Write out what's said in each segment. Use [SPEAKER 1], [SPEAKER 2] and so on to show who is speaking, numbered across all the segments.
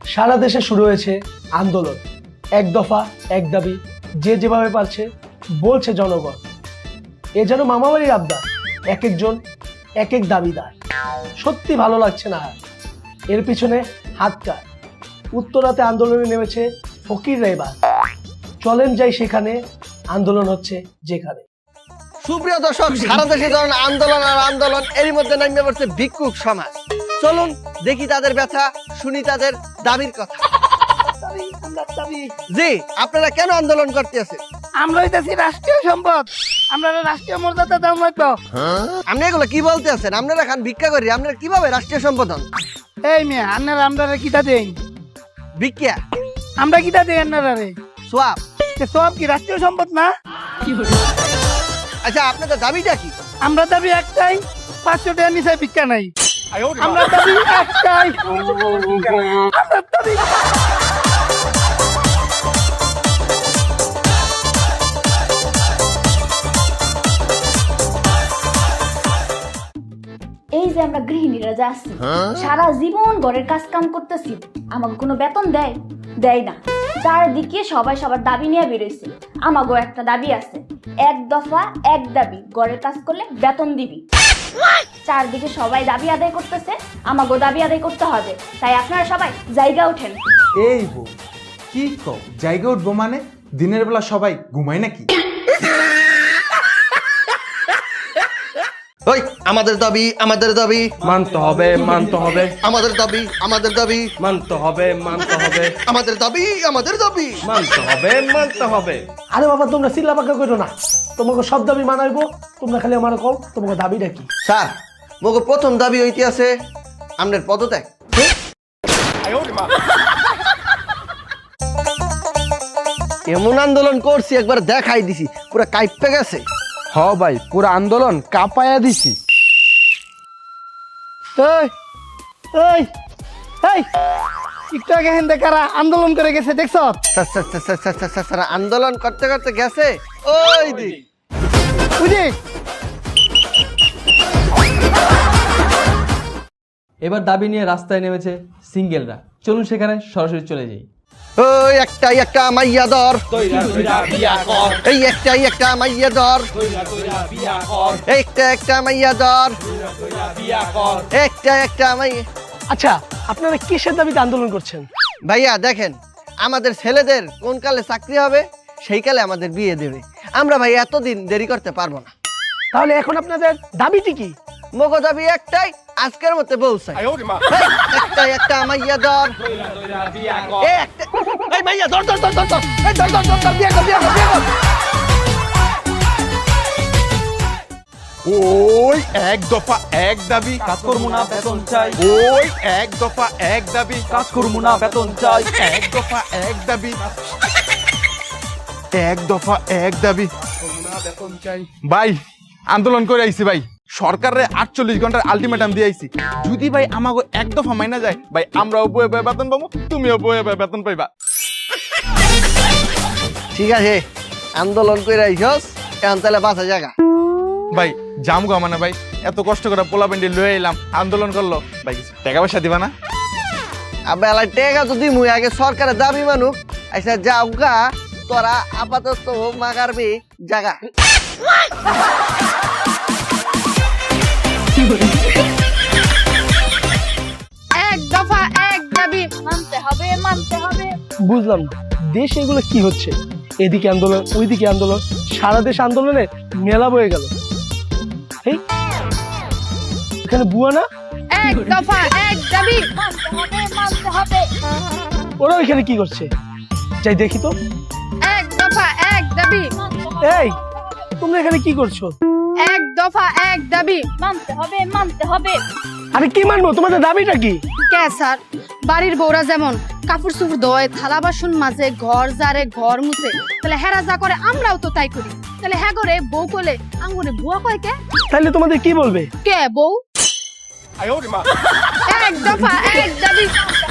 [SPEAKER 1] সারা দেশে শুরু হয়েছে আন্দোলন, এক দফা এক দাবি, যে যেভাবে পারছে বলছে জনগণ। এ যেন মামাবাড়ির আবদার, এক একজন এক এক দাবিদার। সত্যি ভালো লাগছে না আর। এর পিছনে হাত কার? উত্তরাতে আন্দোলনে নেমেছে ফকিররা। এবার চলেন যাই সেখানে, আন্দোলন হচ্ছে যেখানে।
[SPEAKER 2] সুপ্রিয় দর্শক, সারা দেশে ধরুন আন্দোলন আর আন্দোলন, এরই মধ্যে নামে পড়ছে ভিক্ষুক সমাজ। চলুন দেখি তাদের ব্যথা, শুনি তাদের দাবির কথা। জি, আপনারা কেন আন্দোলন করতে আছেন?
[SPEAKER 3] আমরা হইতেছি রাষ্ট্রীয় সম্পদ, আমরা রাষ্ট্রীয় মর্যাদা দাম লাগবে।
[SPEAKER 2] আপনি এগুলো কি বলতে আছেন? আপনারা খান ভিক্ষা করি, আপনারা কিভাবে রাষ্ট্রীয় সম্পদ হন?
[SPEAKER 3] এই মেয়ে, আপনারা আমরা কিটা দেন?
[SPEAKER 2] ভিক্ষা,
[SPEAKER 3] আমরা কিটা দেই আপনারা রে?
[SPEAKER 2] সোয়াব।
[SPEAKER 3] সব কি রাষ্ট্রীয় সম্পদ না?
[SPEAKER 2] আচ্ছা, আপনাদের দাবিটা কি?
[SPEAKER 3] আমরা দাবি একটাই, 500 টাকা নিচে ভিক্ষা নাই। আমরা দাবি একটাই, আমরা দাবি।
[SPEAKER 4] এই যে আমরা গৃহিণীরা যা আছি, সারা জীবন ঘরের কাজ কাম করতেছি, আমাকে কোনো বেতন দেয়? দেয় না। চারদিকে সবাই সবার দাবি নিয়ে বেরোইছে। আমাগো একটা দাবি আছে, এক দফা এক দাবি, ঘরের কাজ করলে বেতন দিবি। চারদিকে সবাই দাবি আদায় করতেছে, আমাগো দাবি আদায় করতে হবে। তাই আপনারা সবাই জায়গা ওঠেন।
[SPEAKER 5] এই বউ, কি কও জায়গা উঠবো মানে? দিনের বেলা সবাই ঘুমায় নাকি?
[SPEAKER 2] ওই আমাদের দাবি, আমাদের দাবি
[SPEAKER 6] মানতে হবে, মানতে হবে,
[SPEAKER 2] আমাদের দাবি, আমাদের দাবি
[SPEAKER 6] মানতে হবে, মানতে হবে,
[SPEAKER 2] আমাদের দাবি, আমাদের দাবি
[SPEAKER 6] মানতে হবে, মানতে হবে।
[SPEAKER 1] আরে বাবা, তোমরা চিল্লা পাকা করো না। তোমাকে সব দাবি মানাইবো, তোমরা খালি আমার কও তোমাকে দাবিটা কি।
[SPEAKER 2] স্যার, মোকে প্রথম দাবি হইতে আছে আপনার পদত্যাগ। এমন আন্দোলন করছি, একবার দেখাই দিছি, পুরো কাইপে গেছে।
[SPEAKER 6] হ ভাই, পুরো আন্দোলন কাঁপায়া দিছি।
[SPEAKER 3] এই এই এই, একটু আগে হেন্দে কারা আন্দোলন করে গেছে দেখছ?
[SPEAKER 2] স্যার, আন্দোলন করতে করতে গেছে ওই দিক।
[SPEAKER 3] বুঝি?
[SPEAKER 7] এবার দাবি নিয়ে রাস্তায় নেমেছে সিঙ্গেলরা। চলুন সেখানে সরাসরি চলে যাই।
[SPEAKER 2] ওই একটাই একটা মাইয়া দর, এই একটাই একটা মাইয়া দর, একটা একটা মাইয়া দর, একটা একটা মাইয়া।
[SPEAKER 1] আচ্ছা, আপনারা কিসের দাবিতে আন্দোলন করছেন?
[SPEAKER 2] ভাইয়া দেখেন, আমাদের ছেলেদের কোন কালে চাকরি হবে সেই কালে আমাদের বিয়ে দেবে। আমরা ভাই এতদিন দেরি করতে পারবো না।
[SPEAKER 1] তাহলে এখন আপনাদের দাবিটি কি?
[SPEAKER 2] মগো দাবি একটাই, আজকের মধ্যে বউ চাই। একটাই একটা মাইয়া দর, এই একটা, এই মাইয়া দর দর দর দর দর, এই দর দর দর দর, বিয়ে কর, বিয়ে কর, বিয়ে কর।
[SPEAKER 5] ওই এক দফা এক দাবি,
[SPEAKER 7] কাজ করবো না, বেতন চাই।
[SPEAKER 5] ওই এক দফা এক দাবি,
[SPEAKER 7] কাজ করবো না, বেতন চাই।
[SPEAKER 5] এক দফা এক দাবি, এক দফা এক দাবি। ভাই, আন্দোলন করে আইছি ভাই, সরকারের 48 ঘন্টার আলটিমেটাম দিয়ে আইছি। যদি ভাই আমাকে এক দফা মাইনা যায়, ভাই আমরাও বয়ে বয়ে বেতন পাবো, তুমিও বয়ে বয়ে বেতন পাইবা।
[SPEAKER 2] ঠিক আছে, আন্দোলন করে আইছস, এখন তাহলে বাসা জায়গা।
[SPEAKER 5] ভাই জামগো মানে ভাই, এত কষ্ট করে পোলা পেন্ডি লয়ে এলাম, আন্দোলন করলো, ভাই কিছু টাকা পয়সা দিবা না?
[SPEAKER 2] আবে আলাই টেকা তো দিমুই, আগে সরকারের দাবি মানুক। আচ্ছা যাও গা, তোরা আপাতত মাগারবি জায়গা।
[SPEAKER 4] এক দফা এক দাবি, মানতে হবে, মানতে হবে।
[SPEAKER 1] বুঝলাম না, দেশে এগুলো কি হচ্ছে? এদিকে আন্দোলন, ওইদিকে আন্দোলন, সারা দেশ আন্দোলনে মেলা বয়ে গেল। এই এখানে বুয়া না,
[SPEAKER 4] এক দফা এক দাবি, মানতে হবে, মানতে হবে।
[SPEAKER 1] ওরা এখানে কি করছে? যাই দেখি তো।
[SPEAKER 4] এক দফা এক দাবি,
[SPEAKER 1] এই তোমরা এখানে কি করছো?
[SPEAKER 4] এক দফা এক দাবি, মানতে হবে, মানতে হবে।
[SPEAKER 1] আরে কি মানবো? তোমাদের দাবিটা কি?
[SPEAKER 8] কে স্যার, বাড়ির বউরা যেমন কাপড় চোপড় ধোয়, থালা বাসন মাজে, ঘর জারে, ঘর মুছে, তাহলে হেরা যা করে আমরাও তো তাই করি। তাহলে হ্যাঁ করে বউ কোলে আঙ্গুরে বুয়া কয় কে?
[SPEAKER 1] তাহলে তোমাদের কি বলবে?
[SPEAKER 8] কে বউ? এক দফা এক দাবি,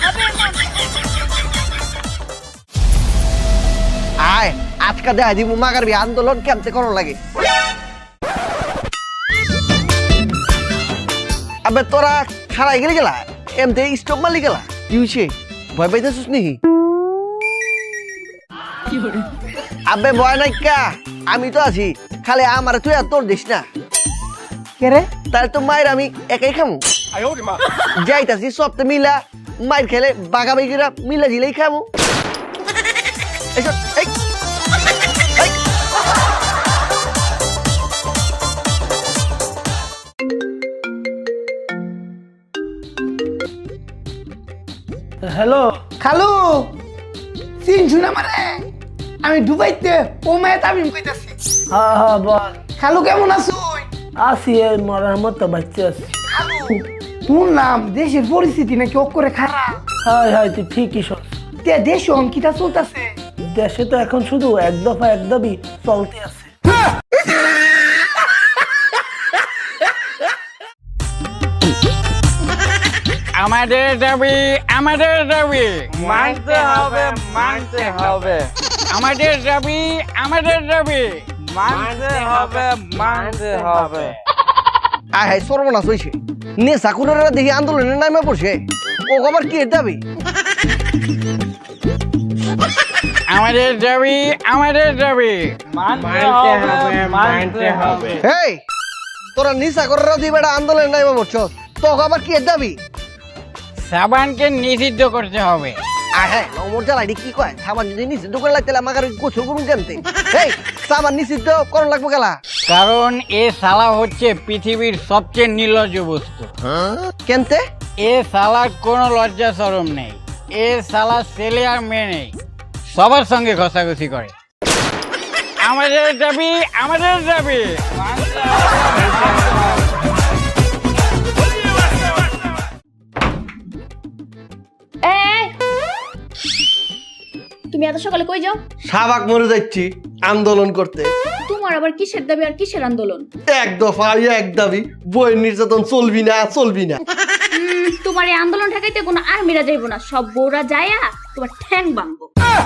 [SPEAKER 2] আয় আজকে দেখা দিব মাগারবি আন্দোলন কেমতে করো লাগে। আবে তোরা খারাই গেলি গেলা, এমতে স্টপ মারলি গেলা, কি হয়েছে? ভয় পাইতেছিস নি? আবে ভয় নাই কা, আমি তো আছি, খালি আমার তুই আর তোর দিস না।
[SPEAKER 3] কে রে?
[SPEAKER 2] তাহলে তো মায়ের আমি একাই খামু। যাইতাছি সপ্তাহে মিলা মায়ের খেলে বাগাবাগিরা মিলা দিলেই খামু। এসব এই
[SPEAKER 1] হ্যালো।
[SPEAKER 3] খালু চিনছু না মানে আমি দুবাইতে ও মেয়ে তামিম কইতাছি।
[SPEAKER 1] হ্যাঁ হ্যাঁ বল।
[SPEAKER 3] খালু কেমন আছো?
[SPEAKER 1] আসি এই মরার মতো বাচ্চা আছি।
[SPEAKER 3] খালু শুনলাম দেশের পরিস্থিতি নাকি করে খারাপ।
[SPEAKER 1] হাই হাই, তুই ঠিকই শোন।
[SPEAKER 3] তে দেশ অঙ্কিতা চলতেছে।
[SPEAKER 1] দেশে তো এখন শুধু এক দফা এক দাবি চলতে আছে।
[SPEAKER 9] আমাদের দাবি মানতে হবে আমাদের দাবি মানতে হবে।
[SPEAKER 2] আয় হায় সর্বনাশ হয়েছে, নেশা খুনেরা দেখি আন্দোলনের নামে পড়ছে। ও আবার কি দাবি?
[SPEAKER 9] আমাদের দাবি মানতে হবে।
[SPEAKER 2] এই তোরা নেশা করার দিয়ে বেটা আন্দোলনের নামে পড়ছ, তো আবার কি দাবি?
[SPEAKER 9] সাবানকে নিষিদ্ধ করতে হবে।
[SPEAKER 2] আয় হ্যাঁ নমর জ্বালাইডি কি কয়, সাবান যদি নিষিদ্ধ করে লাগতে আমাকে গোসল করুন কেমতে? এই সাবান নিষিদ্ধ করুন লাগবো গেলা,
[SPEAKER 9] কারণ এ শালা হচ্ছে পৃথিবীর সবচেয়ে নির্লজ্জ বস্তু।
[SPEAKER 2] কেনতে?
[SPEAKER 9] এ শালার কোনো লজ্জা শরম নেই। এ শালা ছেলে আর মেয়ে নেই, সবার সঙ্গে ঘষাঘষি করে। আমাদের দাবি মানতে হবে।
[SPEAKER 4] এই, তুমি এত সকালে কই যাও?
[SPEAKER 2] শাহবাগ মরে যাচ্ছি আন্দোলন করতে।
[SPEAKER 4] তোমার আবার কিসের দাবি আর কিসের আন্দোলন?
[SPEAKER 2] এক দফা এক দাবি, বইয়ের নির্যাতন চলবি না।
[SPEAKER 4] তোমার এই আন্দোলন ঠেকাইতে কোনো আর্মিরা যাইবো না, সব বউরা যায়া তোমার ঠ্যাং ভাঙবো।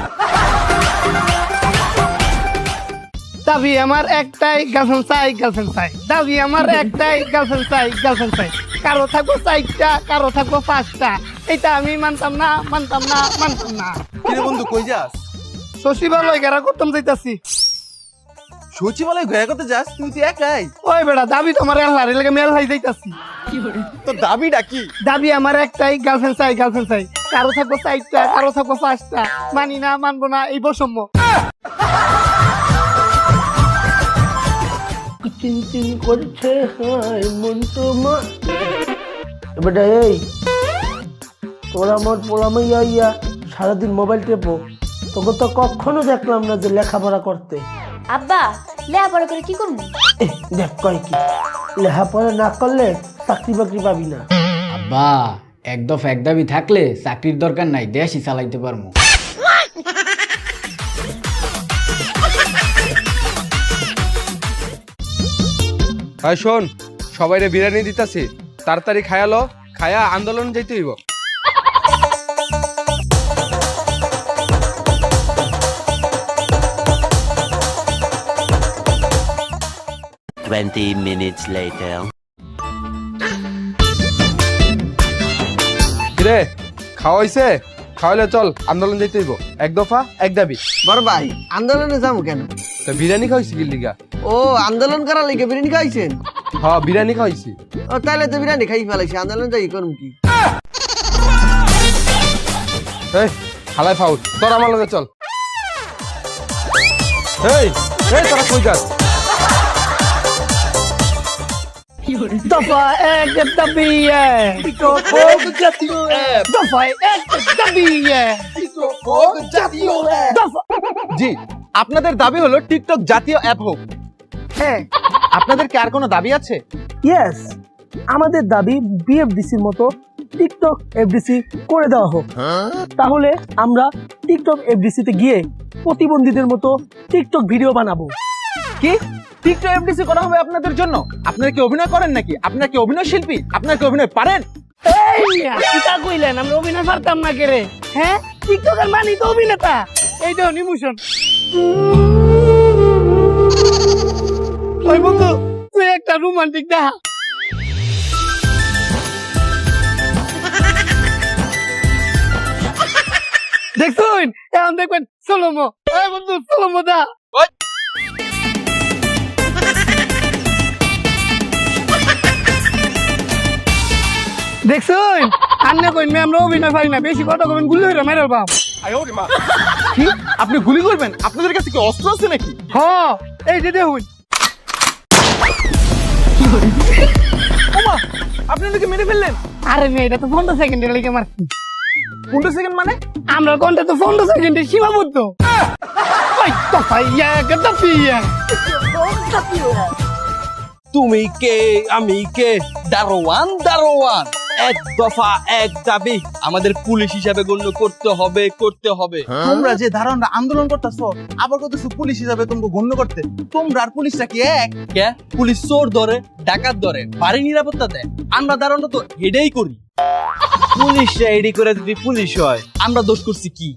[SPEAKER 3] দাবি আমার একটাই, গার্লফ্রেন্ড চাই। দাবি আমার একটাই, গার্লফ্রেন্ড চাই। কারো থাকবো 4টা, কারো থাকবো 5টা। এটা আমি মানতাম না।
[SPEAKER 5] কিরে বন্ধু কই যাস?
[SPEAKER 3] সচিবালয় ঘেরা করতাম যাইতাছি।
[SPEAKER 5] সচিবালয় ঘোরা করতে যাস? তুই তো একাই।
[SPEAKER 3] ওই বেটা দাবি তোমার আল্লাহর লাগে মেল হাই যাইতাছি।
[SPEAKER 5] তো দাবিটা কি?
[SPEAKER 3] দাবি আমার একটাই, গার্লফ্রেন্ড চাই। কারো থাকবো 4টা, কারো থাকবো 5টা। মানি না, মানবো না, এই বৈষম্য।
[SPEAKER 1] চিন করছে হাই মন তোমার। এবারে এই তোরা আমার পোলামাইয়া ইয়া সারাদিন মোবাইল টেপো, তোকে তো কখনো দেখলাম না যে লেখাপড়া করতে।
[SPEAKER 4] আব্বা লেখাপড়া করে কি করবো?
[SPEAKER 1] দেখ কয় কি, লেখাপড়া না করলে চাকরি বাকরি পাবি না।
[SPEAKER 9] আব্বা এক দফা এক দাবি থাকলে চাকরির দরকার নাই, দেশই চালাইতে পারবো।
[SPEAKER 6] ভাই শোন, সবাইরে বিরিয়ানি দিতাছি, তাড়াতাড়ি খায়ালো, খায়া আন্দোলন যাইতে হইব। কিরে খাওয়া হইছে? খাওয়াইলে চল আন্দোলন যাইতে হইব। এক দফা এক দাবি।
[SPEAKER 2] বড় ভাই আন্দোলনে যাবো কেন?
[SPEAKER 6] তো বিরিয়ানি খাওয়াইছি কি লিগা?
[SPEAKER 2] ও আন্দোলন করার লিগে বিরিয়ানি খাইছেন?
[SPEAKER 6] হ্যাঁ বিরিয়ানি খাওয়াইছি।
[SPEAKER 2] ও তাহলে তো বিরিয়ানি খাই ফেলাইছি, আন্দোলন যাই করুন কি?
[SPEAKER 6] এই হালাই ফাউল, তোর আমার লগে চল। এই তোরা কই যাস?
[SPEAKER 3] দফা এক দাবি দফা এক দাবি দফা।
[SPEAKER 5] জি, আপনাদের দাবি হলো টিকটক জাতীয় অ্যাপ হোক।
[SPEAKER 3] হ্যাঁ,
[SPEAKER 5] আপনাদের কি আর কোনো দাবি আছে?
[SPEAKER 1] ইয়েস, আমাদের দাবি বিএফডিসির মতো টিকটক এফডিসি করে দেওয়া হোক। তাহলে আমরা টিকটক এফডিসিতে গিয়ে প্রতিবন্ধীদের মতো টিকটক ভিডিও বানাবো।
[SPEAKER 5] কি টিকটক এফডিসি করা হবে আপনাদের জন্য? আপনারা কি অভিনয় করেন নাকি? আপনারা কি অভিনয় শিল্পী? আপনারা কি অভিনয় পারেন?
[SPEAKER 3] কিতা কইলেন আমরা অভিনয় পারতাম না কেরে? হ্যাঁ, টিকটকের মানি তো অভিনেতা। এই দেখুন ইমোশন। ওই বন্ধু তুই একটা রোমান্টিক দেখা। দেখুন এখন দেখবেন সোলোমো এই বন্ধু সোলোমো দা দেখুন আন্নে কইন আমরা অভিনয় পারি না বেশি কথা কবেন গুলি হইরা মেরে বাপ
[SPEAKER 5] কি আপনি গুলি করবেন? আপনাদের কাছে কি অস্ত্র আছে নাকি?
[SPEAKER 3] হ এই যে দেখুন
[SPEAKER 5] আপনি ওদেরকে মেরে ফেললেন?
[SPEAKER 3] আরে মেয়ে এটা তো 15 সেকেন্ডের লেগে মারছি
[SPEAKER 5] 15 সেকেন্ড মানে?
[SPEAKER 3] আমরা কোনটা তো 15 সেকেন্ডে সীমাবদ্ধ ওই তো ভাইয়া গদা পিয়া
[SPEAKER 10] তুমি কে আমি কে দারোয়ান দারোয়ান এক দফা এক দাবি আমাদের পুলিশ হিসাবে গণ্য করতে হবে করতে হবে।
[SPEAKER 5] তোমরা যে ধারণা আন্দোলন করতেছো আবার কতছো পুলিশ হিসাবে তোমাকে গণ্য করতে, তোমরা আর পুলিশটা কি এক?
[SPEAKER 10] কে পুলিশ চোর ধরে ডাকাত ধরে বাড়ি নিরাপত্তা দেয়, আমরা ধারণা তো এটাই করি। পুলিশরা এডি করে যদি পুলিশ হয় আমরা দোষ করছি কি?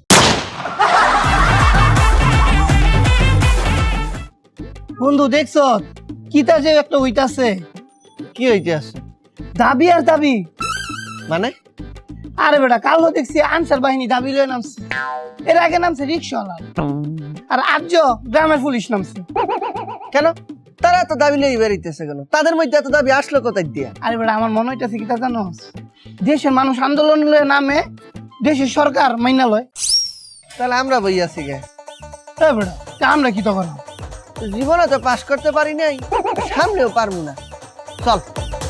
[SPEAKER 3] বন্ধু দেখছো কিতা যে একটা হইতাছে
[SPEAKER 2] কি হইতে আছে
[SPEAKER 3] দাবি আর দাবি
[SPEAKER 2] মানে?
[SPEAKER 3] আরে বেটা কালো দেখছি আনসার বাহিনী দাবি লয়ে নামছে, এর আগে নামছে রিক্সাওয়ালা, আর আজ গ্রামের পুলিশ নামছে।
[SPEAKER 2] কেন তারা তো দাবি লই বেরিতেছে কেন? তাদের মধ্যে এত দাবি আসলো কোথায় দিয়া?
[SPEAKER 3] আরে বেটা আমার মনে হইতাছে কি তা জানো, দেশের মানুষ আন্দোলন লয়ে নামে দেশের সরকার মাইনা লয়।
[SPEAKER 2] তাহলে আমরা বই আছি গে
[SPEAKER 3] এ বেটা তা আমরা কি তো করব?
[SPEAKER 2] জীবনে তো পাস করতে পারি নাই, সামনেও পারবো না। চল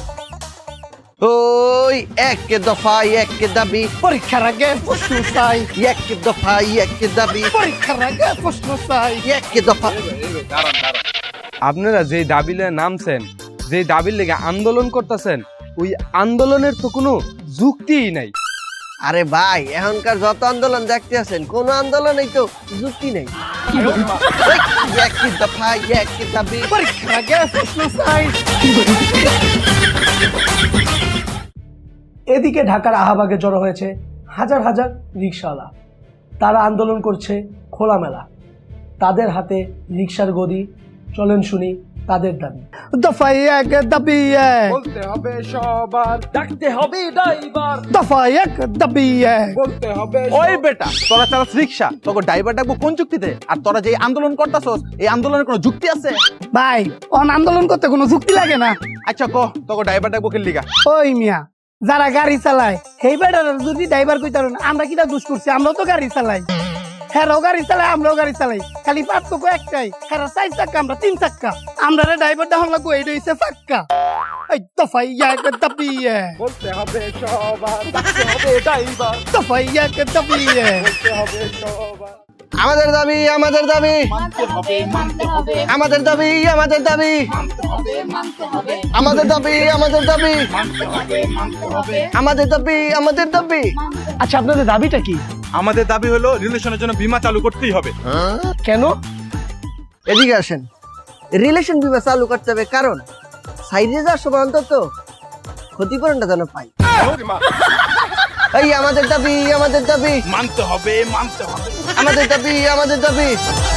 [SPEAKER 2] ওই এক দফা এক দাবি,
[SPEAKER 3] পরীক্ষার আগে প্রশ্ন চাই,
[SPEAKER 2] এক দফা এক দাবি,
[SPEAKER 3] পরীক্ষার আগে প্রশ্ন চাই,
[SPEAKER 2] এক দফা।
[SPEAKER 6] আপনারা যে দাবি লয়ে নামছেন, যে দাবির লেগে আন্দোলন করতেছেন, ওই আন্দোলনের তো কোনো যুক্তিই নাই।
[SPEAKER 2] আরে ভাই এখনকার যত আন্দোলন দেখতে আছেন কোন আন্দোলনেই তো যুক্তি নেই। এক দফা এক দাবি,
[SPEAKER 3] পরীক্ষার আগে প্রশ্ন চাই।
[SPEAKER 1] এদিকে ঢাকার আহাবাগে জড়ো হয়েছে হাজার হাজার রিকশাওয়ালা। তারা আন্দোলন করছে খোলামেলা, তাদের হাতে রিকশার গদি। চলেন শুনি তাদের দাবি।
[SPEAKER 3] দফা এক দাবি এক,
[SPEAKER 5] বলতে হবে সবার, ডাকতে হবে ড্রাইভার,
[SPEAKER 3] দফা এক দাবি এক,
[SPEAKER 5] বলতে হবে। ওই বেটা তোরা চালাস রিক্সা, তোকে ড্রাইভার ডাকবো কোন যুক্তিতে? আর তোরা যে আন্দোলন করতাছস এই আন্দোলনের কোনো যুক্তি আছে?
[SPEAKER 3] ভাই অন আন্দোলন করতে কোনো যুক্তি লাগে না।
[SPEAKER 5] আচ্ছা কো তোকে ড্রাইভার ডাকবো কে লিগা?
[SPEAKER 3] ওই মিয়া যারা গাড়ি চালায় সেই বেটার যদি ড্রাইভার কইতারেন আমরা কিটা দোষ করছি? আমরাও তো গাড়ি চালাই, হ্যাঁ গাড়ি চালাই, আমরাও গাড়ি চালাই, খালি পার্থক্য একটাই, হ্যাঁ 4 চাক্কা আমরা 3 চাক্কা, আমরা ড্রাইভার দেখান লাগবো এই হইছে ফাক্কা। এই দফা এক দাবি এক,
[SPEAKER 5] বলতে হবে সবার, ডাকতে হবে ড্রাইভার,
[SPEAKER 3] দফা এক দাবি এক,
[SPEAKER 5] বলতে হবে সবার।
[SPEAKER 2] আমাদের দাবি আমাদের দাবি, আমাদের দাবি আমাদের দাবি, আমাদের দাবি আমাদের দাবি, আমাদের দাবি আমাদের দাবি।
[SPEAKER 1] আচ্ছা আপনাদের দাবিটা কি?
[SPEAKER 5] আমাদের দাবি হলো রিলেশনের জন্য বীমা চালু করতেই হবে।
[SPEAKER 1] কেন?
[SPEAKER 2] এদিকে আসেন, রিলেশন বিমা চালু করতে হবে কারণ সাইডে যাওয়ার সময় অন্তত ক্ষতিপূরণটা যেন পাই। এই আমাদের দাবি আমাদের দাবি,
[SPEAKER 5] মানতে হবে মানতে হবে,
[SPEAKER 2] আমাদের দাবি আমাদের দাবি।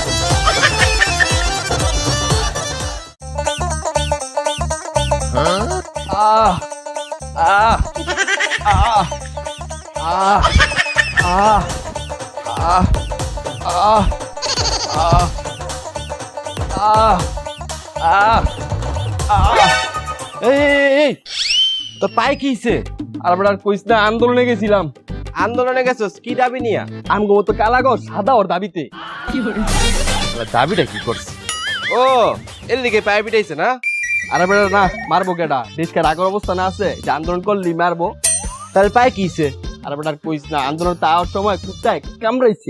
[SPEAKER 10] আহ আহ আহ আহ আহ আহ আহ আহ আহ আহ আহ এই তোর পায়ে কি হইছে?
[SPEAKER 7] আর বেটার কইস না আন্দোলনে গেছিলাম।
[SPEAKER 10] আন্দোলনে গেছস কি দাবি নিয়া?
[SPEAKER 7] আমগো তো কালাগর সাদা ওর দাবিতে।
[SPEAKER 10] দাবিটা কি করছিস? ও এর দিকে পায়ে পিটাইছে না?
[SPEAKER 7] আরে বেটা না মারবো কেডা, দেশকে রাগর অবস্থা না আছে যে আন্দোলন করলি মারবো।
[SPEAKER 10] তাহলে পায়ে কি হইছে?
[SPEAKER 7] আরে বেটার কইস না আন্দোলন তাওয়ার সময় কুত্তায় কামড়াইছে।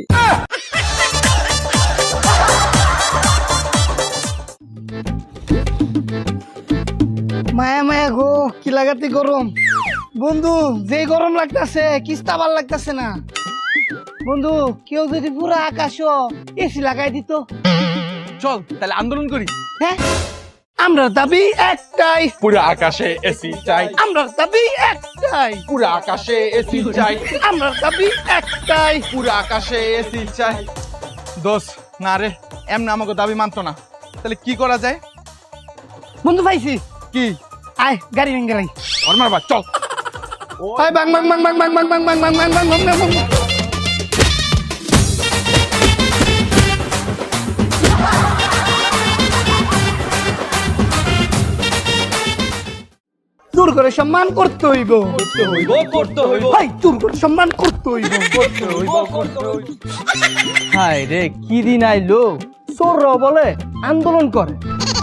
[SPEAKER 3] মায়া মায়া গো কি লাগাতে গরম বন্ধু, যে গরম লাগতেছে কিস্তা ভাল লাগতেছে না বন্ধু। কেউ যদি পুরো আকাশ এসি লাগাই দিত।
[SPEAKER 5] চল তাহলে আন্দোলন করি।
[SPEAKER 3] হ্যাঁ আমরা দাবি একটাই,
[SPEAKER 5] পুরো আকাশে এসি চাই,
[SPEAKER 3] আমরা দাবি একটাই,
[SPEAKER 5] পুরো আকাশে এসি চাই,
[SPEAKER 3] আমরা দাবি একটাই,
[SPEAKER 5] পুরো আকাশে এসি চাই। দোষ না রে, এমনি আমাকে দাবি মানতো না, তাহলে কি করা যায়?
[SPEAKER 3] বন্ধু পাইছি
[SPEAKER 5] কি?
[SPEAKER 3] আয় গাড়ি ভেঙে লাই
[SPEAKER 5] ওর মারবা চল।
[SPEAKER 3] আয় বাং বাং বাং বাং বাং বাং বাং বাং বাং বাং বাং বাং বাং। করে সম্মান করতে হইব ভাই চুর করে সম্মান করতে হইব
[SPEAKER 7] হাই রে কি দিন আইলো চোররাও বলে আন্দোলন করে।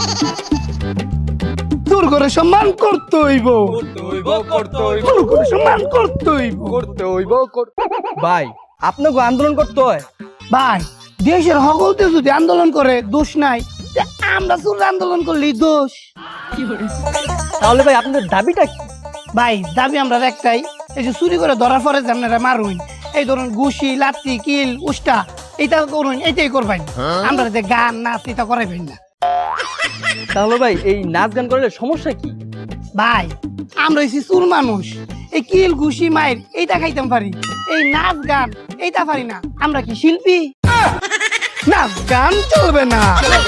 [SPEAKER 3] চুর করে সম্মান করতে হইব চুর করে সম্মান করতে হইব
[SPEAKER 7] ভাই আপনাকে আন্দোলন করতে হয়।
[SPEAKER 3] ভাই দেশের সকলতে যদি আন্দোলন করে দোষ নাই, তা আমরা চুর আন্দোলন করলেই দোষ।
[SPEAKER 7] তাহলে ভাই আপনাদের দাবিটা কি?
[SPEAKER 3] ভাই দাবি আমরা একটাই, এই যে চুরি করে ধরার পরে যে আপনারা মারুন, এই ধরুন ঘুষি লাত্তি কিল উষ্টা এইটা করুন, এইটাই করবেন। আমরা যে গান নাচ এটা করাইবেন না।
[SPEAKER 7] তাহলে ভাই এই নাচ গান করলে সমস্যা কি?
[SPEAKER 3] ভাই আমরা হইছি চুর মানুষ, এই কিল ঘুষি মাইর এইটা খাইতাম পারি, এই নাচ গান এইটা পারি না। আমরা কি শিল্পী? নাচ গান চলবে না।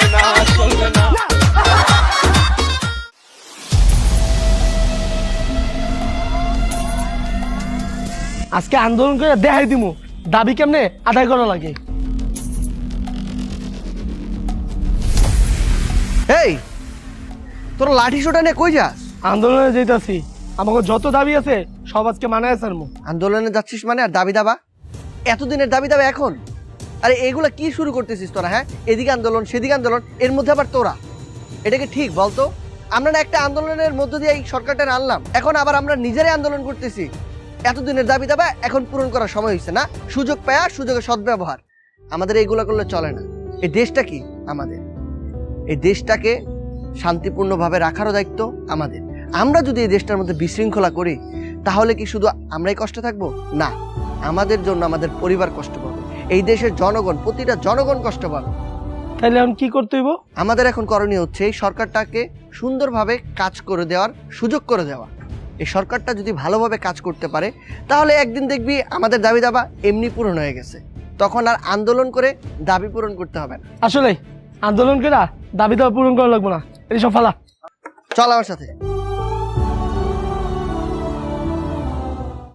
[SPEAKER 1] আজকে আন্দোলন করে দেখাই দিমু দাবি কেমনে আদায় করা লাগে।
[SPEAKER 2] এই তোরা লাঠি সোটা নিয়ে কই যাস?
[SPEAKER 1] আন্দোলনে যেতেছি, আমাকে যত দাবি আছে সব আজকে মানায় সারমু।
[SPEAKER 2] আন্দোলনে যাচ্ছিস মানে আর দাবি দাবা? এতদিনের দাবি দাবা এখন? আরে এগুলা কি শুরু করতেছিস তোরা? হ্যাঁ, এদিকে আন্দোলন সেদিকে আন্দোলন, এর মধ্যে আবার তোরা। এটা কি ঠিক বলতো? আমরা না একটা আন্দোলনের মধ্য দিয়ে এই সরকারটা আনলাম, এখন আবার আমরা নিজেরাই আন্দোলন করতেছি। এতদিনের দাবি দাবা এখন পূরণ করার সময় হয়েছে না? সুযোগ পায়া সুযোগের সদ্ব্যবহার। আমাদের এইগুলো করলে চলে না। এই দেশটা কি আমাদের, এই দেশটাকে শান্তিপূর্ণভাবে রাখারও দায়িত্ব আমাদের। আমরা যদি এই দেশটার মধ্যে বিশৃঙ্খলা করি তাহলে কি শুধু আমরাই কষ্ট থাকবো? না, আমাদের জন্য আমাদের পরিবার কষ্ট পাবে, এই দেশের জনগণ, প্রতিটা জনগণ কষ্ট পাবে।
[SPEAKER 1] তাহলে এখন কি করতে হইব?
[SPEAKER 2] আমাদের এখন করণীয় হচ্ছে এই সরকারটাকে সুন্দরভাবে কাজ করে দেওয়ার সুযোগ করে দেওয়া। এই সরকারটা যদি ভালোভাবে কাজ করতে পারে তাহলে একদিন দেখবি আমাদের দাবি দাবা এমনি পূরণ হয়ে গেছে, তখন আর আন্দোলন করে দাবি পূরণ করতে হবে না।
[SPEAKER 1] আসলে আন্দোলন করে দাবি দাবা পূরণ করা লাগবো না, এই সব ফালা।
[SPEAKER 2] চল আমার সাথে।